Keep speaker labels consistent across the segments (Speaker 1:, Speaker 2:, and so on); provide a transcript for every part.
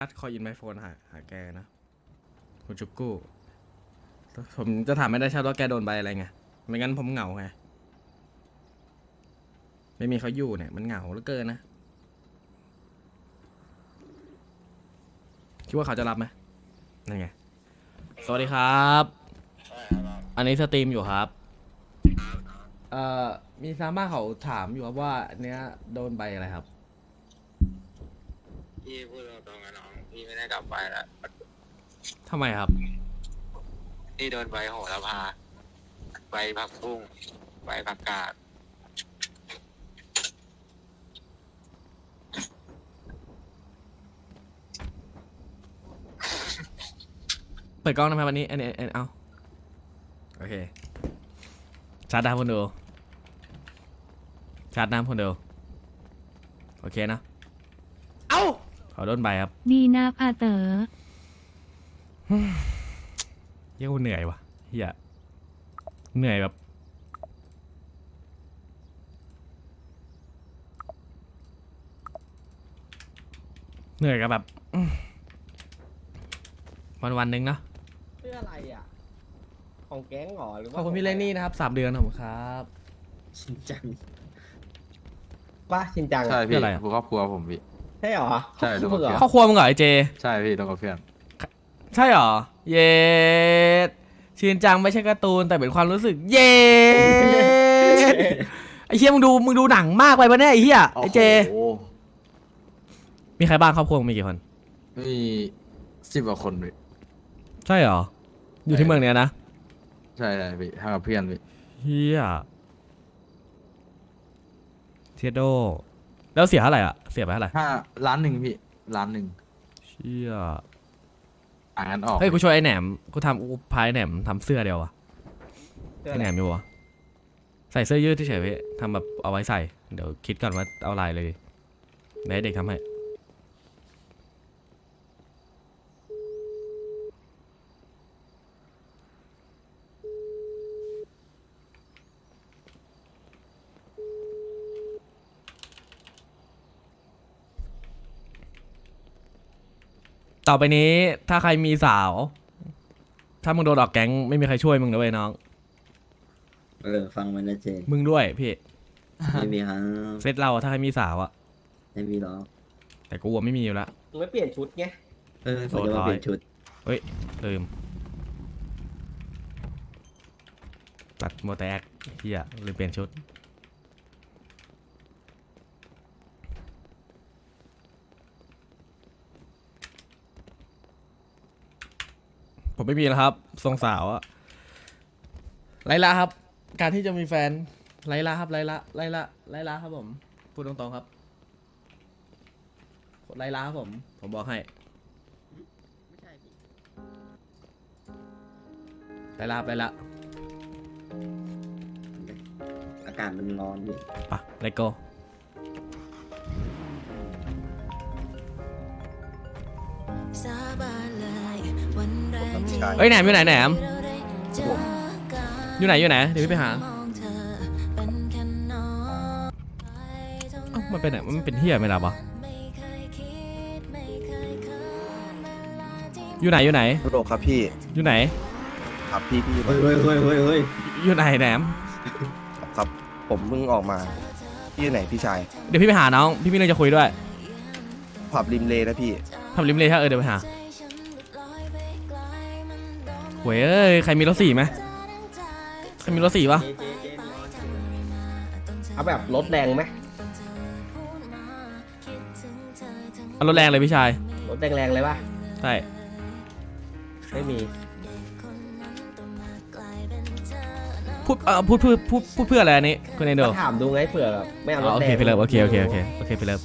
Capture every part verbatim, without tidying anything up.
Speaker 1: อัดคอยอินไมโฟนหาหาแกนะคุณจุกกู้ผมจะถามไม่ได้ใช่ว่าแกโดนใบอะไรไงไม่งั้นผมเหงาไงไม่มีเขาอยู่เนี่ยมันเหงาเหลือเกินนะคิดว่าเขาจะรับไหมนั่นไงสวัสดีครับอันนี้สตรีมอยู่ครับเอ่อมีซาม่าเขาถามอยู่ครับว่าเนี้ยโดนใบอะไรครับ
Speaker 2: พี่พูดตรงๆกับน้องพี่ไม่ได้กลับไปแล้ว
Speaker 1: ทำไมครับ
Speaker 2: พี่โดนใบโหระพาใบผักบุ้งใบผักกาด
Speaker 1: เปิดกล้องนะครับวันนี้อันนี้อันเอาโอเคชาร์จน้ำคนดูชาร์จน้ำคนดูโอเคนะเอ้าขอโดนใบครับ
Speaker 3: ดีนะพาเต๋อ
Speaker 1: เฮียกูเหนื่อยว่ะเฮียเหนื่อยแบบเหนื่อยกับแบบวันวันหนึ่งเนาะ
Speaker 4: เพื่ออะไรอ่ะ ของแก๊งหรอหรือ
Speaker 1: ข
Speaker 4: ว่า
Speaker 1: อบคุณพี่เลนนี่นะครับสามเดือนขอบคุณครับ
Speaker 4: ชินจังป้าชินจัง
Speaker 5: ใช่
Speaker 1: เพื่
Speaker 5: พี่
Speaker 1: ออะไรอะ
Speaker 5: ครอบครัวผมพี่
Speaker 4: ใช่หรอ
Speaker 5: ใช่
Speaker 4: ลูกเหรอ
Speaker 1: ครอบครัวมึงเหรอไอเจ
Speaker 5: ใช่พี่ต้องกับเพื่อน
Speaker 1: ใช่เหรอ เย็ดชินจังไม่ใช่การ์ตูนแต่เป็นความรู้สึก เย็ดไอเฮียมึงดูมึงดูหนังมากไปปะเนี่ยไอเฮียไอเจ
Speaker 5: โอ้โห
Speaker 1: มีใครบ้างครอบครัวมึงมีกี่คน
Speaker 5: มีสิบกว่าคนพี่
Speaker 1: ใช่เหรอ อยู่ที่เมืองเนี้ยนะ
Speaker 5: ใช่ใช่พี่ทำกับเพื่อนพี่
Speaker 1: เฮียเทียโดแล้วเสียเท่าไหร่อ่ะเสียไปเท่าไหร่
Speaker 5: ห้าล้านหนึ่งพี่ล้านหนึ่ง
Speaker 1: เชี่ย
Speaker 5: อ่านกันออก
Speaker 1: เฮ้ยกูช่วยไอ้แหนมกูทำกูพายแหนมทำเสื้อเดียววะ
Speaker 4: เพื่อ
Speaker 1: ไอ้
Speaker 4: อะไร
Speaker 1: แหนมอยู่วะใส่เสื้อยืดที่เฉยๆพี่ทำแบบเอาไว้ใส่เดี๋ยวคิดก่อนว่าเอาลายเลยดิเดี๋ยวให้เด็กทำให้ต่อไปนี้ถ้าใครมีสาว ถ้ามึงโดนออกแก๊งไม่มีใครช่วยมึงนะเว้ยน้อง
Speaker 6: เออฟังมันนะเจ
Speaker 1: มึงด้วยพี่
Speaker 6: ไม่มีครับ
Speaker 1: เซตเราอะถ้าใครมีสาวอะ
Speaker 6: ไม่มีหรอก
Speaker 1: แต่กูอะไม่มีอยู่ละ
Speaker 4: มึงไม่เปลี่ยนชุดไง
Speaker 6: เออผมจะมาเปลี่ยนชุด
Speaker 1: เฮ้ยลืมตัดโมแตกเฮียลืมเปลี่ยนชุดผมไม่มีแล้วครับทรงสาวอะไลล่าครับ การที่จะมีแฟนไลล่าครับไลล่าไลล่าไลล่าครับผมพูดตรงๆครับไลล่าครับผมผมบอกให้ไลล่าไลล่า
Speaker 6: อากาศมันร้อนอยู่
Speaker 1: ปะเลโก้ เฮ้ยแหนมอยู่ไหนแหนมอยู่ไหนอยู่ไหนเดี๋ยวพี่ไปหาเอ้ามันเป็นไหนมันเป็นเฮียไม่รับวะอยู่ไหนอยู่ไหน
Speaker 7: โลครับพี่
Speaker 1: อยู่ไหน
Speaker 7: ครับพี่พี่
Speaker 6: เฮ้ยเฮ้ยเฮ้ยเฮ้ยเฮ้ย
Speaker 1: อยู่ไหนแหนม
Speaker 7: ครับผมเพิ่งออกมาพี่อยู่ไหนพี่ชาย
Speaker 1: เดี๋ยวพี่ไปหาน้องพี่มีเรื่องจะคุยด้วย
Speaker 7: ผับริมเลนะพี่
Speaker 1: ทำริมเลยถ้าเออเดี๋ยวไปหาเว้ยเอ้ยใครมีรถสี่ไหมใครมีรถสี่ปะ
Speaker 4: เจเจเจเอาแบบรถแรงไหม
Speaker 1: เอารถแรงเลยพี่ชาย
Speaker 4: รถแรงๆเลยป่ะ
Speaker 1: ใช่
Speaker 4: ไม่มี
Speaker 1: พูดเอ่อพูดพูดพูดพูดเพื่ออะไรอันนี้คุณเอนโด
Speaker 4: ก็ถามดูไงเผื่อแบบไม่เอารถ
Speaker 1: โอ
Speaker 4: แร
Speaker 1: เค
Speaker 4: ง
Speaker 1: ไปเลิฟโอเคโอเคโอเคโอเคไปเลิฟ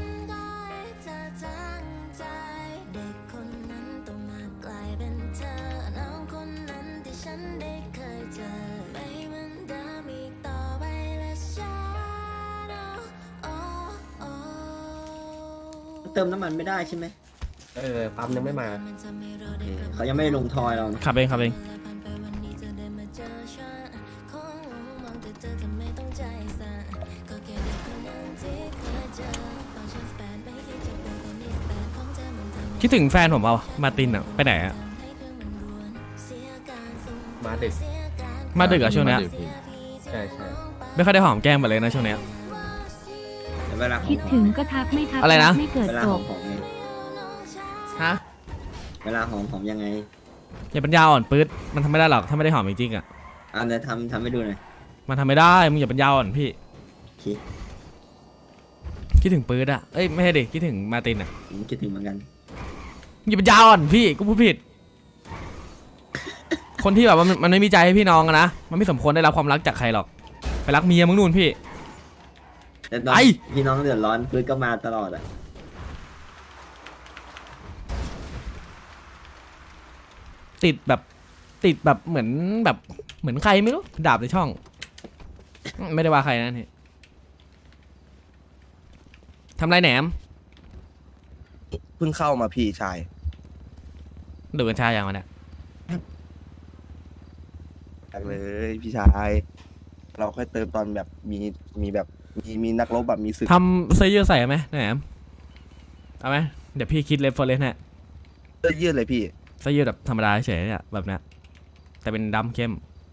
Speaker 6: เติมน้ำมันไม่ได้ใช่ไหม
Speaker 4: เออปั๊มยังไม่มา
Speaker 6: โอเคเขายังไม่ได้ลงทอยเรานะ
Speaker 1: ขับเองขับเอง
Speaker 8: เ
Speaker 1: คิดถึงแฟนผมเปล่ามาร์ตินอะไปไหนอะ
Speaker 4: มาดึก
Speaker 1: มาดึกอะช่วงเนี้ย
Speaker 5: มาดึกพี่
Speaker 4: ใช่ใช่
Speaker 1: ไม่ค่อยได้หอมแก้มมาเลยนะช่วงเนี้ย
Speaker 6: แต่เวลาของ
Speaker 3: คิดถึงก็ทักไม่ทัก
Speaker 1: อะไรนะ
Speaker 3: ไม่เกิด
Speaker 6: เวลา
Speaker 3: จ
Speaker 6: ของ
Speaker 3: บ
Speaker 6: ของไง
Speaker 1: ฮะ
Speaker 6: เวลาของของยังไง
Speaker 1: อย่าปัญญาอ่อนปื๊ดมันทำไม่ได้หรอกถ้าไม่ได้หอมจริงๆอะ
Speaker 6: อ่ะเดี๋ยวทำทำให้ดูหน่อย
Speaker 1: มันทำไม่ได้มึงอย่าปัญญาอ่อนพี่
Speaker 6: โอเค
Speaker 1: คิดถึงปื๊ดอะเอ้ยไม่ใช่ดิคิดถึงมาร์ตินอะ
Speaker 6: ผมคิดถึงเหมือนกัน
Speaker 1: มึงอย่าปัญญาอ่อนพี่กูพูดผิด คนที่แบบว่ามันมันไม่มีใจให้พี่น้องอะนะมันไม่สมควรได้รับความรักจากใครหรอกไปรักเมียมึงนู่นพี่
Speaker 6: แต่ตอน
Speaker 1: ไอ้
Speaker 6: พี่น้องเดือดร้อนปื้ดก็มาตลอดอ่ะ
Speaker 1: ติดแบบติดแบบเหมือนแบบเหมือนใครไม่รู้ดาบในช่อง ไม่ได้ว่าใครนะนี่ทำไรแหนม
Speaker 7: เพิ่งเข้ามาพี่ชาย
Speaker 1: ดูกัญชาอย่างมันเนี่ย
Speaker 7: อยากเลยพี่ชาย เราค่อยเติมตอนแบบมีมีแบบมีมีนักรบแบบมีศึก
Speaker 1: ทำเสื้อยืดใส่ไหมแหนมเอาไหมเดี๋ยวพี่คิดเลฟเฟอร์เรนฮะ
Speaker 7: เสื้อยืดเลยพี่
Speaker 1: เสื้อยืดแบบธรรมดาเฉยๆเนี่ยแบบเนี้ยแต่เป็นดำเข้ม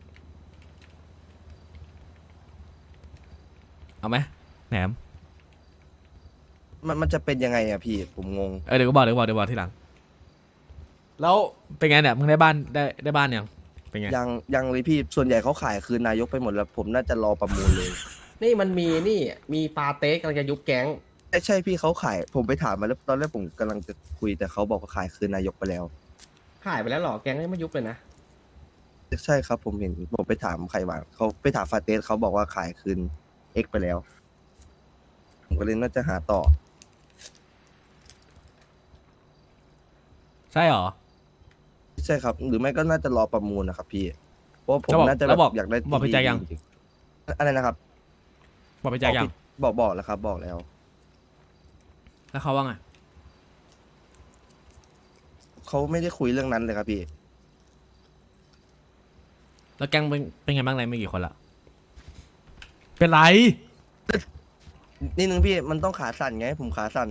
Speaker 1: เอาไหมแหนม
Speaker 7: มันมันจะเป็นยังไงอะพี่ผมงง
Speaker 1: เออเดี๋ยวก็บอกเดี๋ยวก็บอกเดี๋ยวบอกทีหลังแล้วเป็นไงเนี่ยมึงได้บ้านได้ได้บ้านยังเป็นไง
Speaker 7: ยังยังเลยพี่ส่วนใหญ่เขาขายคืนนายกไปหมดแล้วผมน่าจะรอประมูลเลย
Speaker 4: นี่มันมีนี่มีปาเต้กำลังจะยุบแก๊ง
Speaker 7: ใช่ใช่พี่เขาขายผมไปถามมาแล้วตอนแรกผมกำลังจะคุยแต่เขาบอกว่าขายคืนนายกไปแล้ว
Speaker 4: ขายไปแล้วเหรอแก๊งยังไม่ยุบเลยนะ
Speaker 7: ใช่ครับผมเห็นผมไปถามใครมาเขาไปถามฟาเตสเขาบอกว่าขายคืนเอ็กไปแล้ว ผมก็เลยน่าจะหาต่อ
Speaker 1: ใช่หรอ
Speaker 7: ใช่ครับ หรือไม่ก็น่าจะรอประมูลนะครับพี่เพราะว่าผม
Speaker 1: แล้วบอก
Speaker 7: น่าจะ
Speaker 1: แล้วบอก
Speaker 7: อยากได้
Speaker 1: บอกพี่แจ็คยัง
Speaker 7: จริๆอะไรนะครับ
Speaker 1: บอกไปแจกยัง
Speaker 7: บอกบอกแล้วครับ บอกแล้ว
Speaker 1: แล้วเขาว่าไง
Speaker 7: เขาไม่ได้คุยเรื่องนั้นเลยครับพี่
Speaker 1: แล้วแก๊งเป็นเป็นไงบ้างไรไม่กี่คนละเป็นไร
Speaker 7: นี่นึงพี่มันต้องขาสั่นไง ผมขาสั่น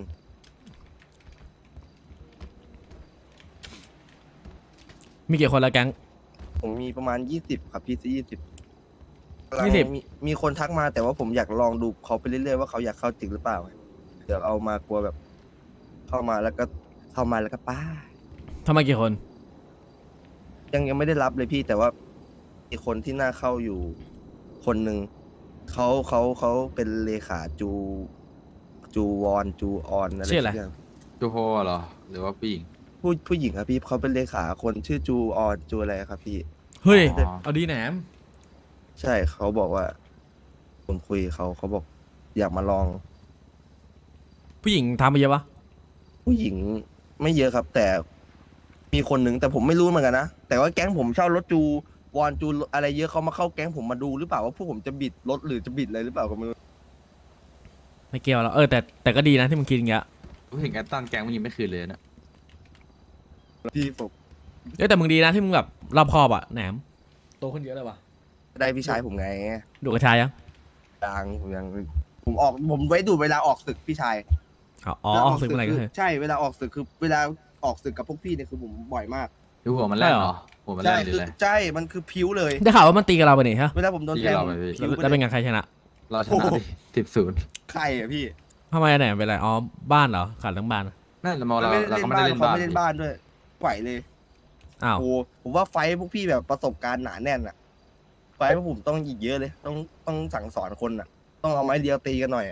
Speaker 1: มีกี่คนละแก๊ง
Speaker 7: ผมมีประมาณยี่สิบครับพี่ยี่สิบ
Speaker 1: ยี่สิบ
Speaker 7: มีมีคนทักมาแต่ว่าผมอยากลองดูเขาไปเรื่อยๆว่าเขาอยากเข้าจริงหรือเปล่าเดี๋ยวเอามากลัวแบบ เข้ามาแล้วก็เข้ามาแล้วก็ป้า
Speaker 1: ทำไมกี่คน
Speaker 7: ยังยังไม่ได้รับเลยพี่แต่ว่ามีคนที่น่าเข้าอยู่คนหนึ่งเขาเขาเขาเป็นเลขาจูจูวอนจูออนอะไร
Speaker 1: ชื่ออะไร
Speaker 7: สักย่าง
Speaker 5: จูโฮเหรอ หรือว่าผู้หญิง
Speaker 7: ผู้ผู้หญิงครับพี่เขาเป็นเลขาคนชื่อจูออนจูอะไรครับพี่
Speaker 1: เฮ้ย
Speaker 5: อ๋อ
Speaker 1: เอาดีแหนม
Speaker 7: ใช่เขาบอกว่า ผมคุยเขาเขาบอก อยากมาลอง
Speaker 1: ผู้หญิงทำไปเยอะปะ
Speaker 7: ผู้หญิงไม่เยอะครับ แต่มีคนหนึ่งแต่ผมไม่รู้เหมือนกันนะแต่ว่าแก๊งผมเช่ารถจูวอนจูอะไรเยอะเขามาเข้าแก๊งผมมาดูหรือเปล่าว่าพวกผมจะบิดรถหรือจะบิดอะไรหรือเปล่าก็ไม่รู้
Speaker 1: ไม่เกี่ยวแล้วเออแต่แต่ก็ดีนะที่มึงคิดอย่างเงี้ย
Speaker 5: ผู้หญิงแอตตันแกงมันยังไม่คืนเลยนะ
Speaker 7: พี่ผม
Speaker 1: เอ้ยแต่มึงดีนะที่มึงแบบรอบคอบอะแหนมโตขึ้นเยอะเลยว่ะ
Speaker 7: ได้พี่ชายผมไง
Speaker 1: ดูกระชายยัง
Speaker 7: ดังผมยังผมออกผมไว้ดูเวลาออกศึกพี่ชาย
Speaker 1: อ๋ออ๋อออกศึกเมื่อไหร่ก็คือ
Speaker 7: ใช่เวลาออกศึกคือเวลาออกศึกกับพวกพี่เนี่ยคือผมบ่อยมาก
Speaker 5: ดูหัวมันแล่นเหรอ หัวมัน
Speaker 7: ใช่
Speaker 5: แล่นหรือ
Speaker 7: คือ
Speaker 5: อะไร
Speaker 7: ใช่มันคือพิ้วเลย
Speaker 1: ได้ข่าวว่ามันตีกับเราไปนี่ฮะ
Speaker 7: เวลาผมโดนแทง
Speaker 5: พี่เราไปพี่
Speaker 7: พิ้วไป
Speaker 1: แล้วเป็น
Speaker 7: เลย
Speaker 1: ไงใครชนะ
Speaker 5: เราชนะดิสิบศูนย์
Speaker 7: ใครอะพี่
Speaker 1: ทำไมอะแหนมเป็นไรอ๋อบ้านเหรอขาดทั้งบ้าน
Speaker 5: นั่นเราเรา
Speaker 7: ไม่ได้
Speaker 5: เรา
Speaker 7: เล่
Speaker 5: ก็
Speaker 7: น
Speaker 5: ไม่ได้
Speaker 7: บ้าน
Speaker 5: เล่นบ้าน
Speaker 7: เขาไม่เล่นบ้านด้วยไหวเลย
Speaker 1: อ้าว
Speaker 7: โอ้ผมว่าไฟท์พวกพี่แบบประสบการณ์หนาแน่นอะไฟท์พวกผมต้องอีกเยอะเลย ต้องต้องสั่งสอนคนอะต้องเอาไม้เดียวตีกันหน่อยอะ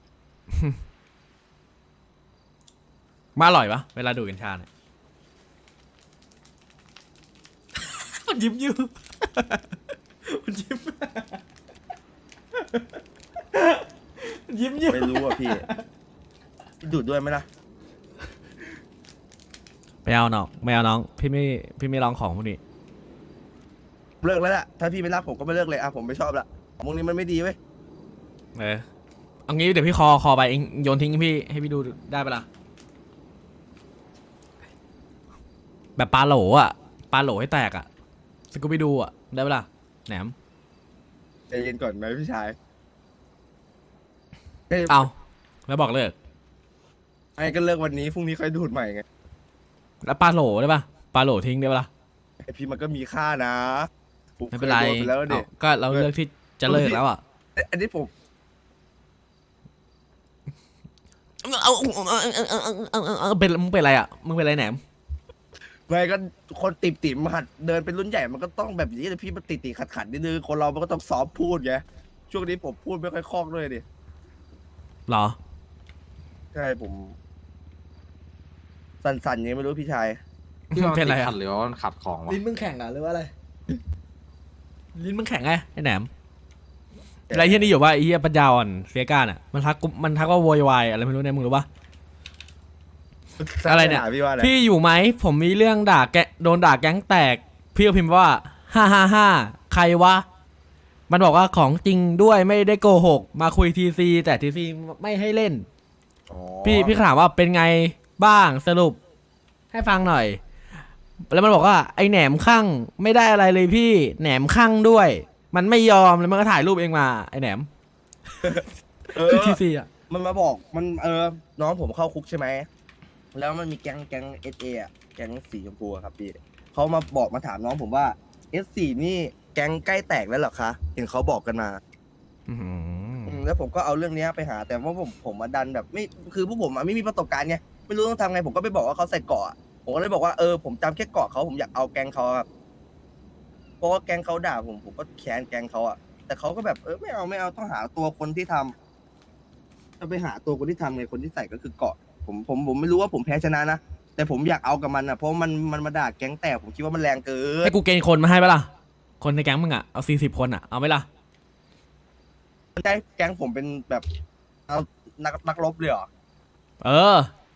Speaker 1: มาอร่อยปะเวลาดูกัญชาเนี่ย มันยิ้มยิ้ม มันยิ้ม มันยิ้มยิ้ม
Speaker 7: ไม่รู้อะพี่พี่ดูดด้วยไหมล่ะ
Speaker 1: ไม่เอาน้องไม่เอาน้องพี่ไม่พี่ไม่ลองของพวกนี้
Speaker 7: เลิกแล้วแหละถ้าพี่ไม่รักผมก็ไม่เลิกเลยอะผมไม่ชอบละของพวกนี้มันไม่ดีเว้ย
Speaker 1: เออเอางี้เดี๋ยวพี่คอคอไปเองโยนทิ้งให้พี่ให้พี่ดูได้ปะล่ะแบบปลาโหลอ่ะปลาโหลให้แตกอ่ะสกูไปดูอ่ะได้ปะล่ะแหนม
Speaker 7: ใจเย็นก่อนไหมพี่ชาย
Speaker 1: เอาแล้วบอกเลิก
Speaker 7: ไอ้ก็เลิกวันนี้พรุ่งนี้ค่อยดูดใหม่ไง
Speaker 1: แล้วปลาโหลได้ปะปลาโหลทิ้งได้ปะล่ะ
Speaker 7: ไอพี่มันก็มีค่านะผม
Speaker 1: ไม่เป็นไร
Speaker 7: คยโดปแล้วเนี่ย
Speaker 1: เอาก็เราเลือกที่จะเลิกแล้วอ่ะ
Speaker 7: อันนี้ผม
Speaker 1: เอาเอาเอาเอาเอาเอาเอาเป็นมึงเป็นอะไรอ่ะมึงเป็นอะไรแหนม
Speaker 7: ไม่ก็คนติ่มติ่มหัดเดินเป็นรุ่นใหญ่มันก็ต้องแบบนี้เลยพี่มันติดติขัดขัดๆนิดนึงคนเรามันก็ต้องซ้อมพูดไงช่วงนี้ผมพูดไม่ค่อยคล่องด้วยดิ
Speaker 1: หรอ
Speaker 7: ใช่ผม สั่นๆยังไม่รู้พี่ชาย
Speaker 5: ที่ว่า
Speaker 1: เป็นไร
Speaker 5: ติด
Speaker 1: อะ
Speaker 5: ขัดหรือว่ามันขัดของวะ
Speaker 1: ลิ้นมึงแข็งอ่ะหรือว่าอะไรลิ้นมึงแข็งไงไอ้แหนมอะไรที่นี่อยู่ว่าไอ้เหี้ยปัญญาอ่อนเสียการอ่ะมันทักกูมันทักว่าโวยวายอะไรไม่รู้เนี่ยมึงรู้ปะ อะไรเนี่ย
Speaker 7: พี่ว่าอะไร
Speaker 1: พี่อยู่ไหมผมมีเรื่องด่าแกโดนด่าแก๊งแตกพี่ก็พิมพ์ว่าฮ่าฮ่าฮ่าใครวะมันบอกว่าของจริงด้วยไม่ได้โกหกมาคุยทีซีแต่ทีซีไม่ให้เล่น
Speaker 7: อ๋อ
Speaker 1: พี่พี่ถามว่าเป็นไงบ้างสรุปให้ฟังหน่อย แล้วมันบอกว่าไอแหนมข้างไม่ได้อะไรเลยพี่แหนมข้างด้วย มันไม่ยอมแล้วมันก็ถ่ายรูปเองมาไอแหนม
Speaker 7: เออ
Speaker 1: ทีซีอ่ะ
Speaker 7: มันมาบอกมันเออน้องผมเข้าคุกใช่ไหมแล้วมันมีแก๊งแก๊งเอสเอะแก๊งสีชมพูอะครับพี่เขามาบอกมาถามน้องผมว่าเอสสี่นี่แก๊งใกล้แตกแล้วเหรอคะเห็นเขาบอกกันมา
Speaker 1: อื้อหือ
Speaker 7: อืมแล้วผมก็เอาเรื่องเนี้ยไปหา แต่ว่าผมผมมาดันแบบไม่คือพวกผมอะไม่มีประสบการณ์ไงไม่รู้ต้องทำไงผมก็ไปบอกว่าเขาใส่เกราะอะผมก็เลยบอกว่าเออผมจำแค่เกราะเขาผมอยากเอาแก๊งเขาครับเพราะว่าแก๊งเขาด่าผมผมก็แค้นแก๊งเขาอะแต่เขาก็แบบเออไม่เอาไม่เอาต้องหาตัวคนที่ทำจะไปหาตัวคนที่ทำไงคนที่ใส่ก็คือเกราะผมผมผมไม่รู้ว่าผมแพ้ชนะนะแต่ผมอยากเอากับมันอะเพราะมันมันมาด่าแก๊งแตกผมคิดว่ามันแรงเกิน
Speaker 1: ให้กูเกณฑ์คนมาให้ปะล่ะคนในแก๊งมึงอ่ะเอาสี่สิบคนอ่ะเอาไหมล่ะ
Speaker 7: ได้แก๊งผมเป็นแบบเอานักนักรบเลยเหรอ
Speaker 1: เออ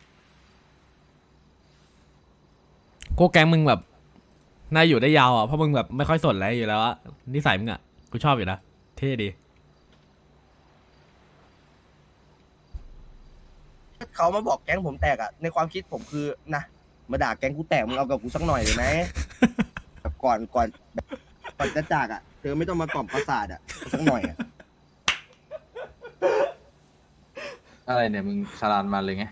Speaker 1: กูแก๊งมึงแบบน่าอยู่ได้ยาวอ่ะเพราะมึงแบบไม่ค่อยสนอะไรอยู่แล้วอะนิสัยมึงอ่ะกูชอบอยู่นะเท่ดี
Speaker 7: เขามาบอกแก๊งผมแตกอะในความคิดผมคือนะมาด่าแก๊งกูแตกมึงเอากับกูสักหน่อยเลยไหม แบบก่อนก่อนก่อนจะจากอะเธอไม่ต้องมากล่อมประสาทอะสักหน่อยอะ
Speaker 5: อะไรเนี่ยมึงคารานมาเลยไง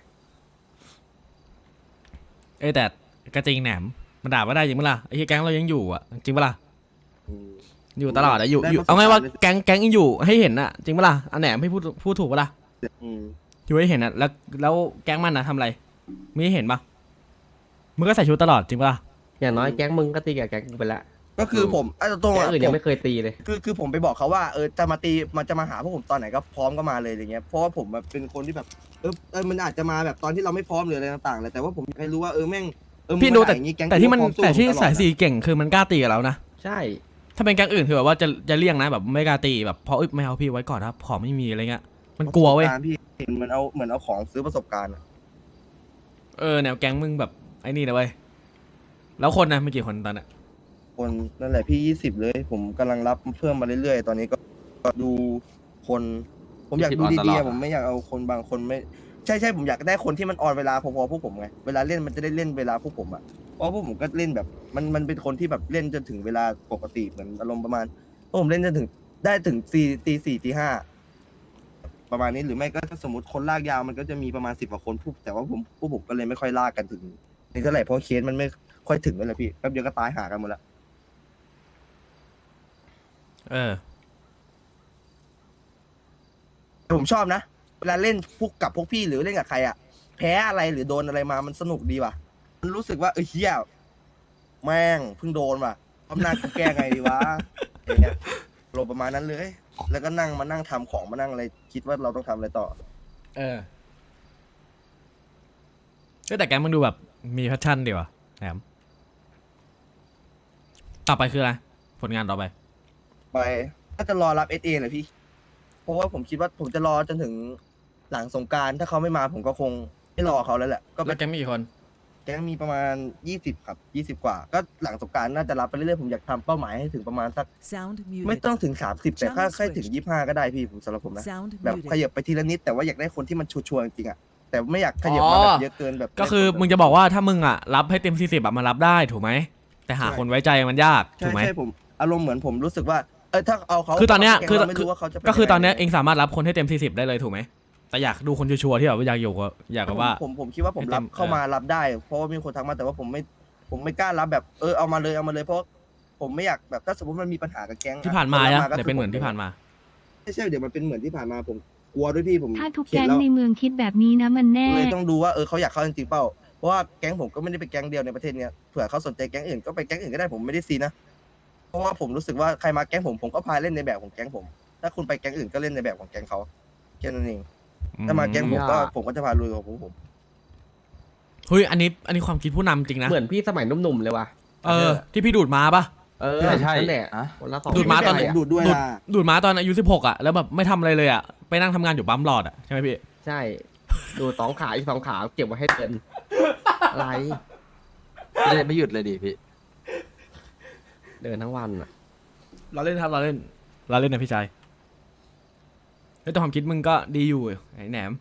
Speaker 1: เอ้ยแต่กระจริงแหนมมันด่าว่าได้จริงปะล่ะไอ้เหี้ยแก๊งเรายังอยู่อ่ะจริงปะล่ะ
Speaker 7: อืม
Speaker 1: อยู่ตลอดอะอยู่
Speaker 7: ได้
Speaker 1: อยู่
Speaker 7: ประสบ
Speaker 1: เอาไงว่า
Speaker 7: การณ์เลย
Speaker 1: แก๊งแก๊งยังอยู่ให้เห็นอะจริงปะล่ะอันแหนมให้พูดพูดถูกปะล่ะ
Speaker 7: อืม
Speaker 1: อยู่ให้เห็นอะแล้วแล้วแก๊งมันอะทำอะไรไม่ให้เห็นปะมึงก็ใส่ชุดตลอดจริงปะล่ะ
Speaker 4: อย่างน้อยแก๊งมึงก็ตีกับแก๊งกูไปละ
Speaker 7: ก็คือผมไอ้ตรงๆ
Speaker 4: แก๊ง
Speaker 7: อะ
Speaker 4: อื่น
Speaker 7: ผ
Speaker 4: ยัง
Speaker 7: ม
Speaker 4: ไม่เคยตีเลย
Speaker 7: คือคือผมไปบอกเขาว่าเออจะมาตีมันจะมาหาพวกผมตอนไหนก็พร้อมก็มาเลยอย่างเงี้ยเพราะว่าผมแบบเป็นคนที่แบบเออเออมันอาจจะมาแบบตอนที่เราไม่พร้อมหรืออะไรต่างๆเลยแต่ว่าผมอยากให้รู้ว่าเออแม่งเออมึง
Speaker 1: พี่ดู
Speaker 7: มา
Speaker 1: แต่
Speaker 7: ด่าอย่างงี้ก๊ง
Speaker 1: แต่ที่มัน
Speaker 7: กูพร้อสู้
Speaker 1: แต่ที่
Speaker 7: ผมตลอด
Speaker 1: สาย
Speaker 7: อะ
Speaker 1: สีเก่งคือมันกล้าตีกับเรานะ
Speaker 4: ใช่
Speaker 1: ถ้าเป็นแก๊งอื่นคือแบบว่าจะจะเลี่ยงนะแบบไม่กล้าตีแบบเพราะเอ้ยไม่เอาพี่ไว้ก่อนครับของไม่มีอะไรเงี้ยมันกลัวเว้ย
Speaker 7: ประสบการณ์พี่เหมือนเอาเหมือนเอาของซื้อประสบการณ์อะ
Speaker 1: เออแนวแก๊งมึงแบบไอ้นี่นะเว้ยแล้วคนนะไม่กี่คนตอนน่ะ
Speaker 7: คนนั่นแหละพี่ยี่สิบเลย ผมกำลังรับเพิ่มมาเรื่อยๆ ตอนนี้ก็ก็ดูคน ผมอยากดู
Speaker 5: ยี่สิบออนตล
Speaker 7: ดี
Speaker 5: อด
Speaker 7: ๆ
Speaker 5: อะ
Speaker 7: ผมไม่อยากเอาคนบางคนไม่ใช่ใช่ผมอยากได้คนที่มันออนเวลาพอๆพวกผมไงเวลาเล่นมันจะได้เล่นเวลาพวกผมอ่ะเพราะพวกผมก็เล่นแบบ มันมันเป็นคนที่แบบเล่นจนถึงเวลาปกติเหมือนอารมณ์ประมาณพวกผมเล่นจนถึงได้ถึงสี่ตีสี่ตีห้าประมาณนี้หรือไม่ก็สมมติคนลากยาวมันก็จะมีประมาณสิบกว่าคนพวกแต่ว่าผมพวกผมก็เลยไม่ค่อยลากกันถึงนี่เท่าไหร่เพราะเคสมันไม่ค่อยถึงเลยพี่แป๊บเดียวก็ตายหากันหมดแล้ว
Speaker 1: เออ
Speaker 7: ผมชอบนะ เวลาเล่นพวกกับพวกพี่หรือเล่นกับใครอ่ะ แพ้อะไรหรือโดนอะไรมามันสนุกดีว่ะ มันรู้สึกว่าเออเฮียแม่งเพิ่งโดนว่ะทำหน้ากูแก้ไงดีวะอย่างเงี้ยลงประมาณนั้นเลย แล้วก็นั่งมานั่งทำของมานั่งอะไรคิดว่าเราต้องทำอะไรต่อ
Speaker 1: เออเอ้ยแต่แก๊งมึงดูแบบมีแพชชั่นดีว่ะแหนมต่อไปคืออะไรผลงานต่อไป
Speaker 7: ไปก็จะรอรับเอสเอเลยพี่ เพราะว่าผมคิดว่าผมจะรอจนถึงหลังสงกรารถ้าเขาไม่มาผมก็คงไม่รอเขาแล้วแหละก็
Speaker 1: แล้วแก๊งมีกี่คน
Speaker 7: แก๊งมีประมาณยี่สิบครับยี่สิบกว่า ก็หลังสงกรารน่าจะรับไปเรื่อยๆผมอยากทำเป้าหมายให้ถึงประมาณสัก
Speaker 3: Sound muted.
Speaker 7: ไม่ต้องถึงสามสิบแต่ถ้า
Speaker 3: Channel
Speaker 7: แค่ถึง
Speaker 3: switched.
Speaker 7: ยี่ห้าก็ได้พี่ผมสำหรับผมนะ
Speaker 3: Sound
Speaker 7: แบบ
Speaker 3: muted.
Speaker 7: ขยับไปทีละนิดแต่ว่าอยากได้คนที่มันชัวร์ๆจริงๆอ่ะแต่ไม่อยากขยับมาแบบเยอะเกินแบบ
Speaker 1: ก็คือมึงจะบอกว่าถ้ามึงอ่ะรับให้เต็มสี่สิบอะมันรับได้ถูกไหมแต่หาคนไว้ใจมันยาก
Speaker 7: ใช่
Speaker 1: ถูกไหม
Speaker 7: ใช่ผมอารมณ์เหมือนผมรู้สึกว่าเออถ้าเอาเขา
Speaker 1: คือตอนเนี้ยคือ
Speaker 7: เราไม่รู้ว่าเขาจะไป
Speaker 1: ก็คือตอนเนี้ย
Speaker 7: ยัง
Speaker 1: เอ
Speaker 7: ไง
Speaker 1: งสามารถรับคนให้เต็มสี่สิบได้เลยถูกไหมแต่อยากดูคนชัวร์ๆที่แบบว่าอยากอยู่กับอยากกับว่า
Speaker 7: ผมผมคิดว่าผม
Speaker 1: ให้เต็
Speaker 7: รับ
Speaker 1: ม
Speaker 7: เข้า
Speaker 1: เออ
Speaker 7: มารับได้ เพราะว่ามีคนทักมาแต่ว่าผมไม่ผมไม่กล้ารับแบบเออเอามาเลยเอามาเลยเพราะผมไม่อยากแบบถ้าสมมติมันมีปัญหากับแก๊ง
Speaker 1: ที่ผ่านมา
Speaker 7: ค
Speaker 1: อะ
Speaker 7: รับก็
Speaker 1: เดี๋ยวเป็นเหมือนที่ผ่านมา
Speaker 7: ไม่ใช่เดี๋ยวมันเป็นเหมือนที่ผ่านมาผมกลัวด้วยพี่ผม
Speaker 3: ถ้าทุก
Speaker 7: เข็ด
Speaker 3: แก๊ง
Speaker 7: แล้ว
Speaker 3: ในเมืองคิดแบบนี้นะมันแน่
Speaker 7: เลยต้องดูว่าเออเขาอยากเข้าจริงๆเปล่าเพราะว่าแก๊งผมก็ไม่ได้เป็นแก๊งเดียวในประเทศเนี้ยเผื่อเขาสนใจแก๊งอื่นก็ไปแก๊งอื่นก็ได้ผมไม่ได้ซีนะเพราะว่าผมรู้สึกว่าใครมาแก๊งผมผมก็พาเล่นในแบบของแก๊งผม ถ้าคุณไปแก๊งอื่นก็เล่นในแบบของแก๊งเขาแค่นั้นเองถ้ามาแก๊งผมก็ผมก็จะพาลุยของผมผม
Speaker 1: เฮ้ยอันนี้อันนี้ความคิดผู้นำจริงนะ
Speaker 4: เหมือนพี่สมัยหนุ่มๆเลยว่ะ
Speaker 1: เออที่พี่ดูดมาปะ
Speaker 4: เออ
Speaker 5: ใช่ใช่
Speaker 4: นั่นแหละ
Speaker 5: อะ
Speaker 4: คนละสอง
Speaker 1: ดูดม้าตอนไหน
Speaker 4: ะ
Speaker 7: ดูดด้วย
Speaker 1: ดูด
Speaker 7: ล่ะ
Speaker 1: ดูดมาตอนอายุสิบหกอ่ะแล้วแบบไม่ทำอะไรเลยอ่ะไปนั่งทำงานอยู่ปั๊มหลอดอ่ะใช่ไหมพี่
Speaker 4: ใช่ ดูดสองขาอีกสองขาเก็บไว้ให้เดินอะไร
Speaker 5: ไม่ได้ไม่หยุดเลยดิพี่
Speaker 4: เดินทั้งวันอ่ะ
Speaker 1: เราเล่นครับเราเล่นเราเล่นนะพี่ชายเฮ้ยแต่ความคิดมึงก็ดีอยู่ไอ้แหนม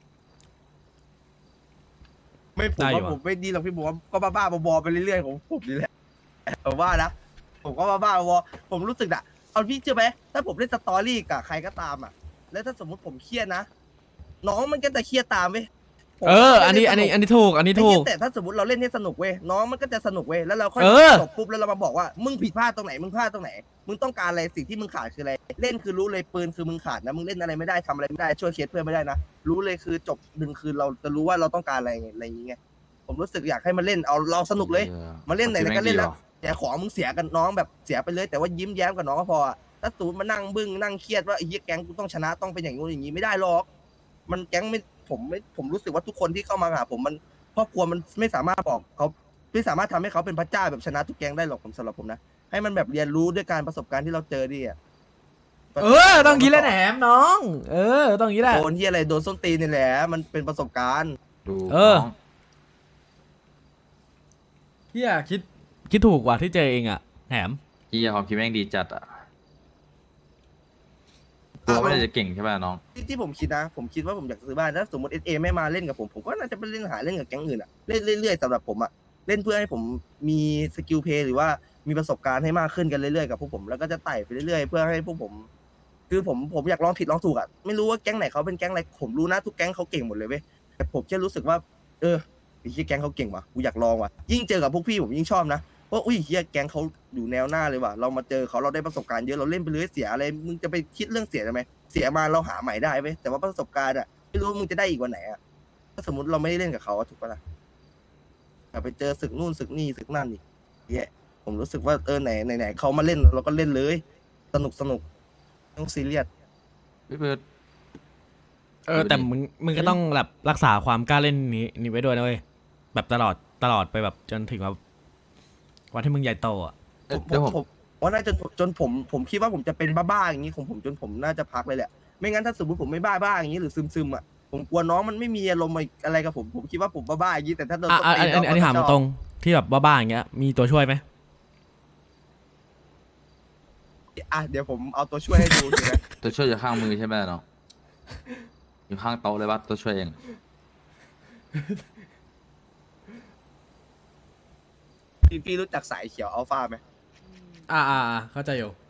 Speaker 7: ไม่ผม
Speaker 1: ได้อยู่
Speaker 7: ว่า
Speaker 1: อะ
Speaker 7: ผมไม่ดีหรอกพี่ผมว่าก็บ้าๆบอๆไปเรื่อยๆของผมนี่แหละผมว่านะผมก็บ้าๆบอๆผมรู้สึกอะเอาพี่เชื่อไหมถ้าผมเล่นสตอรี่กับใครก็ตามอะแล้วถ้าสมมติผมเครียดนะน้องมันก็จะเครียดตามเว้ยผม
Speaker 1: เออ
Speaker 7: ก็
Speaker 1: อันนี้
Speaker 7: เล่
Speaker 1: อันนี้
Speaker 7: ส
Speaker 1: อันนี้ถูก อันนี้
Speaker 7: ไม่
Speaker 1: ถู
Speaker 7: เครี
Speaker 1: ก
Speaker 7: ยดแต่ถ้าสมมติเราเล่นให้สนุกเว้ยน้องมันก็จะสนุกเว้ยแล้วเราค่อย
Speaker 1: เออ
Speaker 7: จบปุ๊บแล้วเรามาบอกว่ามึงผิดพลาดตรงไหนมึงพลาดตรงไหน มึงต้องการอะไรสิ่งที่มึงขาดคืออะไรเล่นคือรู้เลยปืนคือมึงขาดนะมึงเล่นอะไรไม่ได้ทำอะไรไม่ได้ช่วยเคสเพื่อนไม่ได้นะรู้เลยคือจบหนึ่งคืนเราจะรู้ว่าเราต้องการอะไรไงอะไรอย่างเงี้ยผมรู้สึกอยากให้มันเล่นเอาเราสนุกเลย
Speaker 5: ออ
Speaker 7: มาเล่นไหนๆก็เล่นแล้ว
Speaker 5: ความคิด
Speaker 7: แต่ของมึงเสียกันน้องแบบเสียไปเลย แต่ว่ายิ้มแย้มกับน้องก็พออะถ้าตูนมานั่งบึ้งนั่งเครียดว่าไอ้เหี้ยแก๊งกูต้องชนะต้องเป็นอย่างงู้นอย่างนี้ไม่ได้หรอก มันแก๊งไม่ผมไม่ผมรู้สึกว่าทุกคนที่เข้ามาหาผมมันครอบครัวมันไม่สามารถบอกเขาไม่สามารถทำให้เขาเป็นพระเจ้าแบบชนะทุกแก๊งได้หรอกผมสำหรับผมนะให้มันแบบเรียนรู้ด้วยการประสบการณ์ที่เราเจอดิอ่ะ
Speaker 1: เออต้องงี้แหละแหนมน้อง เออต้องงี้แหละ
Speaker 7: โดนที่อะไรโดนส้นตีนนี่แหละมันเป็นประสบการณ์
Speaker 5: ดู
Speaker 1: เออ
Speaker 5: น้ง
Speaker 1: เฮียคิดคิดถูกกว่าที่เจอเองอ่ะแหนม
Speaker 5: เฮียความคิดแม่งดีจัดอ่ะตัวไม่ได้จะเก่งใช่ป่ะน้อง
Speaker 7: ที่ที่ผมคิดนะ ผมคิดว่าผมอยากซื้อบ้านถ้าสมมติเอสเอไม่มาเล่นกับผมผมก็น่าจะไปเล่นหาเล่นกับแก๊งอื่นอะเล่นเรื่อยๆสำหรับผมอะเล่นเพื่อให้ผมมีสกิลเพลย์หรือว่ามีประสบการณ์ให้มากขึ้นกันเรื่อยๆกับพวกผมแล้วก็จะไต่ไปเรื่อยๆเพื่อให้พวกผม คือผมผมอยากลองผิดลองถูกอะไม่รู้ว่าแก๊งไหนเขาเป็นแก๊งอะไรผมรู้นะทุกแก๊งเขาเก่งหมดเลยเว้ยแต่ผมแค่รู้สึกว่า เออไอ้เหี้ยแก๊งเขาเก่งว่ะกูอยากลองว่ะยิ่งเจอกับพวกพี่ผมยิ่งชอบนะว่าอุ้ยเหี้ยแก๊งเขาอยู่แนวหน้าเลยว่ะเรามาเจอเขาเราได้ประสบการณ์เยอะเราเล่นไปเรื่อยเสียอะไรมึงจะไปคิดเรื่องเสียทำไมเสียมาเราหาใหม่ได้เว้ยแต่ว่าประสบการณ์อะไม่รู้ว่ามึงจะได้อีกวันไหนอะถ้าสมมติเราไม่ได้เล่นกับเขาอะถูกปะล่ะแต่ไปเจอศึกนู่นศึกนี่ศึกนั่นอีกเหี้ยผมรู้สึกว่าเออไหนไหนไหนเขามาเล่นเราก็เล่นเลย สนุกสนุกไม่ต้องซีเรียส
Speaker 5: พี่เบิร์ด
Speaker 1: เออแต่มึงมึงก็ต้องแบบรักษาความกล้าเล่นนี้นี้ไว้ด้วยนะเว้ยแบบตลอดตลอดไปแบบจนถึงแบบวันที่มึงใหญ่โตอ่ะ
Speaker 5: เอ้ย
Speaker 7: ผม
Speaker 5: เดี๋ยวผม
Speaker 7: ผมว่าน่าจะจนผมผมคิดว่าผมจะเป็นบ้าๆอย่างนี้ของผมจนผมน่าจะพักเลยแหละไม่งั้นถ้าสมมติผมไม่บ้าๆอย่างนี้หรือซึมๆอ่ะผมกลัวน้องมันไม่มีอารมณ์อะไรกับผมผมคิดว่าผมบ้าๆอย่างนี้แต่ถ้าโดน
Speaker 1: อ่ะอ่ะอันอันอันนี้ถามตรงๆที่แบบบ้าๆอย่างเงี้ยมีตัวช่วยไหม
Speaker 7: อ่ะเดี๋ยวผมเอาตัวช่วยให้ดูใช่ไหม
Speaker 5: ตัวช่วยอยู่ข้างมือใช่ไหมน้องอยู่ข้างโต๊ะเลยว่าตัวช่วยเอง
Speaker 7: พี่พี่รู้จักสายเขียวอัลฟาไหม
Speaker 1: อ่าอ่าอ่าเข้าใจอยู่